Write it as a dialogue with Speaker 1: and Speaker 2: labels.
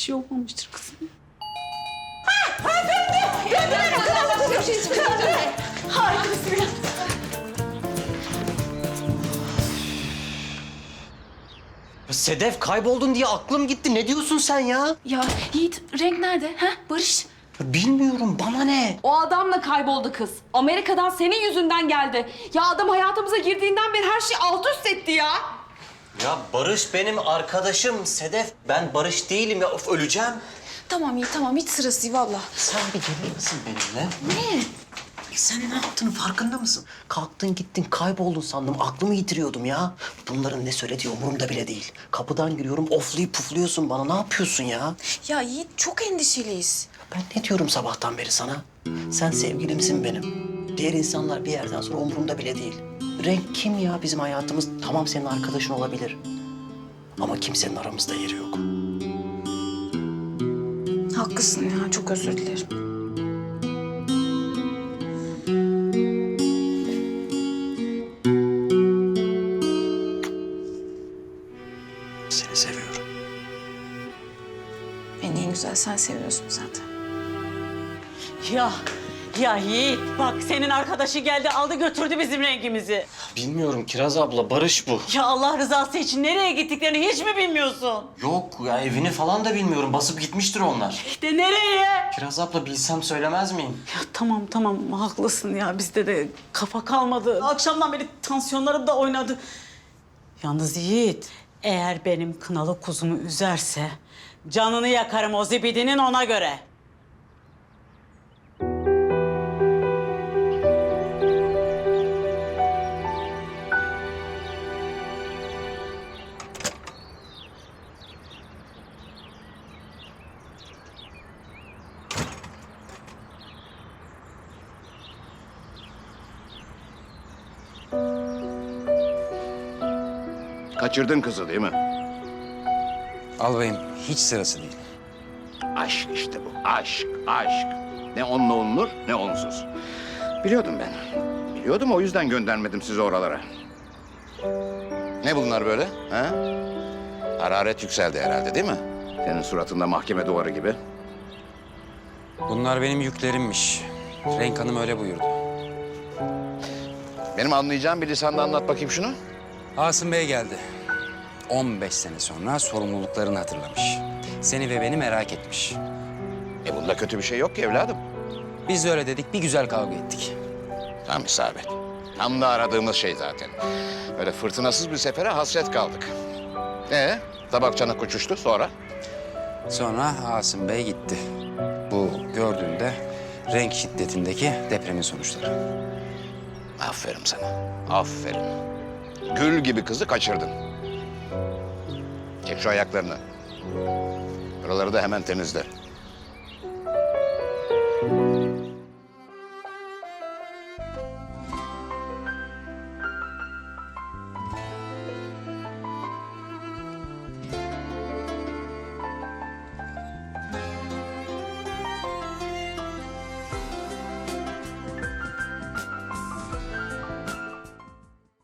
Speaker 1: şey olmamıştır kızım. Harikasın ya.
Speaker 2: Sedef kayboldun diye aklım gitti. Ne diyorsun sen ya?
Speaker 1: Ya Yiğit renk nerede? Ha Barış?
Speaker 2: Bilmiyorum, bana ne?
Speaker 3: O adamla kayboldu kız. Amerika'dan senin yüzünden geldi. Ya adam hayatımıza girdiğinden beri her şeyi alt üst etti ya.
Speaker 2: Ya Barış benim arkadaşım Sedef. Ben Barış değilim ya. Of, öleceğim.
Speaker 1: Tamam Yiğit tamam hiç sırası değil valla.
Speaker 2: Sen bir gelir misin benimle?
Speaker 1: Ne?
Speaker 2: Sen ne yaptığını farkında mısın? Kalktın gittin kayboldun sandım. Aklımı yitiriyordum ya. Bunların ne söylediği umurumda bile değil. Kapıdan giriyorum oflayıp pufluyorsun bana. Ne yapıyorsun ya?
Speaker 1: Ya Yiğit çok endişeliyiz.
Speaker 2: Ben ne diyorum sabahtan beri sana? Sen sevgilimsin benim. Diğer insanlar bir yerden sonra umurumda bile değil. Renk kim ya bizim hayatımız? Tamam senin arkadaşın olabilir. Ama kimsenin aramızda yeri yok.
Speaker 1: Haklısın ya çok özür dilerim.
Speaker 2: Seni seviyorum.
Speaker 1: Beni en güzel sen seviyorsun zaten.
Speaker 4: Ya Yiğit bak senin arkadaşı geldi aldı götürdü bizim rengimizi.
Speaker 2: Bilmiyorum Kiraz abla, Barış bu.
Speaker 4: Ya Allah rızası için nereye gittiklerini hiç mi bilmiyorsun?
Speaker 2: Yok ya, evini falan da bilmiyorum. Basıp gitmiştir onlar.
Speaker 4: İşte nereye?
Speaker 2: Kiraz abla bilsem söylemez miyim?
Speaker 4: Ya tamam haklısın ya bizde de kafa kalmadı. Akşamdan beri tansiyonlarım da oynadı. Yalnız Yiğit eğer benim kınalı kuzumu üzerse canını yakarım o zibidinin ona göre.
Speaker 5: Kaçırdın kızı değil mi?
Speaker 6: Albayım hiç sırası değil.
Speaker 5: Aşk işte bu. Aşk, aşk. Ne onunla olunur ne onsuz. Biliyordum ben. Biliyordum, o yüzden göndermedim sizi oralara. Ne bunlar böyle? Ha? Hararet yükseldi herhalde değil mi? Senin suratında mahkeme duvarı gibi.
Speaker 6: Bunlar benim yüklerimmiş. Renk Hanım öyle buyurdu.
Speaker 5: Benim anlayacağım bir lisanla anlat bakayım şunu.
Speaker 6: Asım Bey geldi. 15 sene sonra sorumluluklarını hatırlamış. Seni ve beni merak etmiş.
Speaker 5: Bunda kötü bir şey yok ki evladım.
Speaker 6: Biz de öyle dedik, bir güzel kavga ettik.
Speaker 5: Tam isabet. Tam da aradığımız şey zaten. Öyle fırtınasız bir sefere hasret kaldık. Tabak çanak uçuştu sonra?
Speaker 6: Sonra Asım Bey gitti. Bu gördüğünde renk şiddetindeki depremin sonuçları.
Speaker 5: Aferin sana. Aferin. Gül gibi kızı kaçırdın. Çek şu ayaklarını. Buraları da hemen temizle.